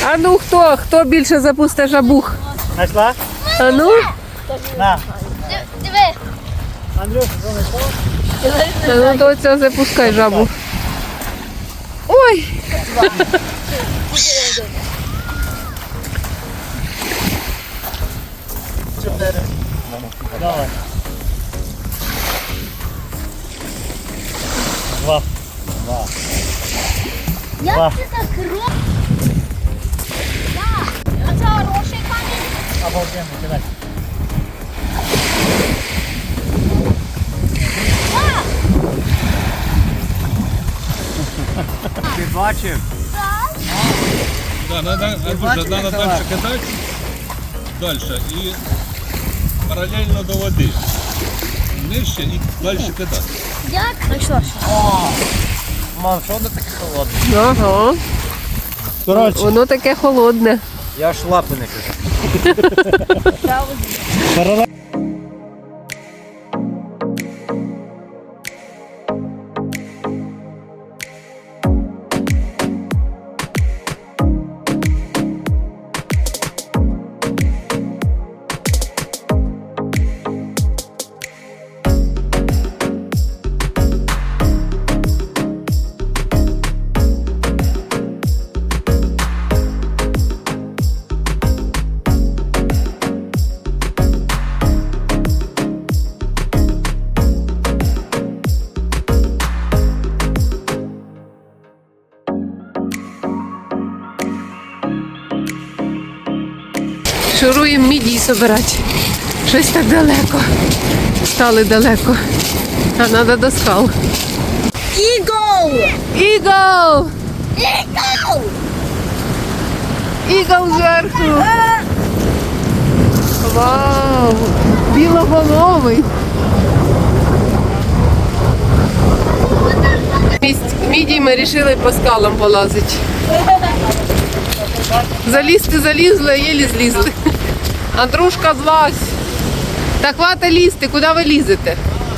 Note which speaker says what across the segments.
Speaker 1: А ну хто більше запусте жабух?
Speaker 2: Знайшла?
Speaker 1: А ну?
Speaker 2: На.
Speaker 3: Диви.
Speaker 2: Андрюша, що знайшов?
Speaker 1: А ну то це запускай жабу. Ой!
Speaker 2: Чотири. Давай. Два.
Speaker 3: Як це так робить? А це хороший камінь?
Speaker 2: Обалденно, кидай. Ти бачив?
Speaker 4: Да, надо дальше кидать. Дальше. И параллельно до воды. Нижче і далі кидати.
Speaker 3: Як? Знайшла.
Speaker 2: Мам, що воно таке холодне?
Speaker 1: Ага.
Speaker 2: Коротше,
Speaker 1: Воно таке холодне.
Speaker 2: я ж лапи не кажу.
Speaker 1: Шуруємо мідії збирати. Щось так далеко. Стали далеко. А треба до скал.
Speaker 3: Ігол!
Speaker 1: Ігол!
Speaker 3: Ігол!
Speaker 1: Ігол зверху. Вау! Білоголовий. Мідії ми вирішили по скалам полазити. Залізти залізли, а єлі злізли. Андрушка, злазь. Та хвата лізти, куди ви лізете?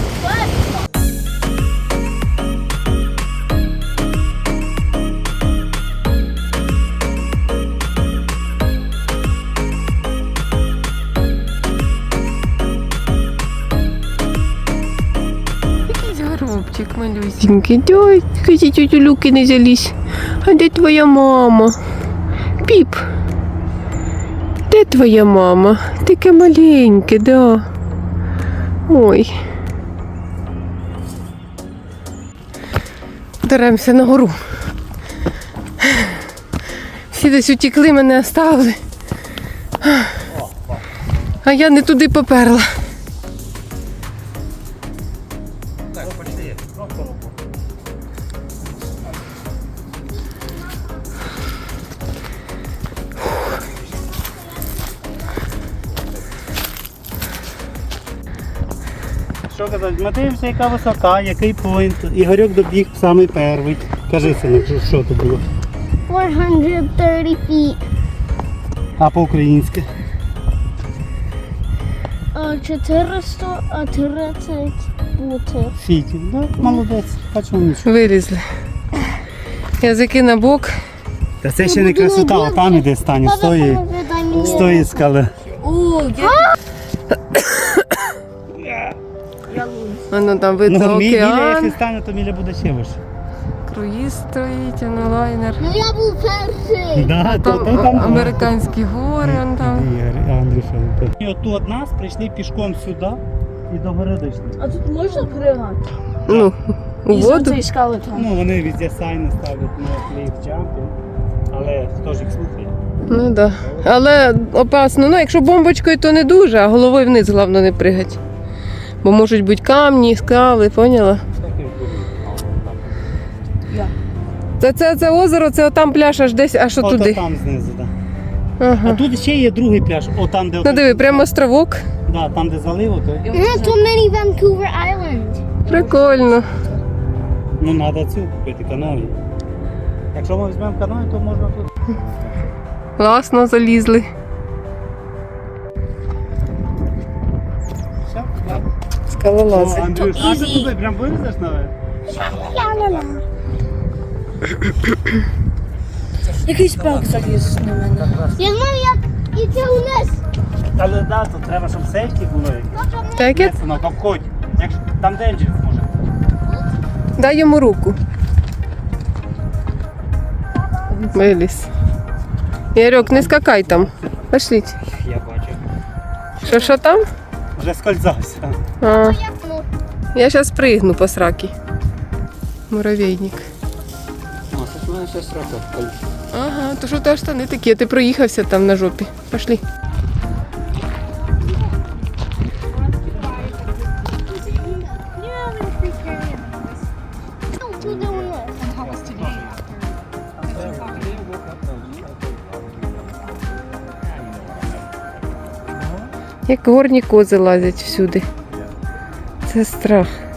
Speaker 1: Якийсь горобчик малюсенький. Ой, кажіть, тетю Люки не залізь. А де твоя мама? Піп. Де твоя мама? Таке маленьке, да. Ой. Даремося на гору. Всі десь утекли, мене оставили. А я не туди поперла.
Speaker 2: Що казати, ми дивимося, яка висота, який поінт. Ігорьок добіг самий перший. Кажи, синок, що то було?
Speaker 3: 430 feet.
Speaker 2: А по-українськи?
Speaker 3: 430 бути.
Speaker 2: Фітів. Да, молодець, бачимо нічого.
Speaker 1: Вилізли. Язики на бок.
Speaker 2: Та це ще не красота, а там іде стане, з тої скали.
Speaker 1: Воно там видно
Speaker 2: Ну, Міля,
Speaker 1: океан.
Speaker 2: якщо стане, то Міля буде ще вище.
Speaker 1: Круїз стоїть, лайнер.
Speaker 3: Ну я був перший.
Speaker 2: Да,
Speaker 1: Там американські гори, вон там.
Speaker 2: Андрюша. І от тут нас прийшли пішком сюди і до гори дійшли.
Speaker 5: А тут можна пригати?
Speaker 1: Ну, у
Speaker 5: І
Speaker 1: воду.
Speaker 5: цієї скали там.
Speaker 2: Ну, вони везде сайни ставлять на клейф джампінг, але хто ж їх слухає?
Speaker 1: Ну так. Да. Але опасно. Ну, якщо бомбочкою, то не дуже, а головою вниз, головне, не пригати. Бо можуть бути камні, скали, поняла? Це озеро, це отам пляж аж десь, аж
Speaker 2: Ото
Speaker 1: туди.
Speaker 2: там знизу, так.
Speaker 1: Ага.
Speaker 2: А тут ще є другий пляж, отам, де...
Speaker 1: Ну диви, прямо островок.
Speaker 2: Да, там, де залив, то...
Speaker 3: Not too many Vancouver Island.
Speaker 1: Прикольно.
Speaker 2: Ну, треба цю купити, каної. Якщо ми візьмемо каної, то можна тут...
Speaker 1: Класно залізли.
Speaker 2: Все, ладно.
Speaker 1: Скалолази.
Speaker 2: Андрюш, а ти туди прям вилізеш наверх?
Speaker 5: Якийсь пак заліз на мене.
Speaker 3: Я знаю, як іти униз.
Speaker 2: Але да, то треба, щоб сейфті було.
Speaker 1: Так, як?
Speaker 2: Синок, обходь. Якщо там денджер може.
Speaker 1: Дай йому руку. Виліз. Ярик, не скакай там. Пошліть.
Speaker 2: Я бачу.
Speaker 1: Що там?
Speaker 2: Вже скользався.
Speaker 1: А, я зараз пригну по сраки. Муравейник.
Speaker 2: О, це ж в мене ще срака.
Speaker 1: Ага, то що ти аж штани такі, а ти проїхався там на жопі. Пошли.
Speaker 3: Туди униз.
Speaker 1: Як горні кози лазять всюди. Це страх.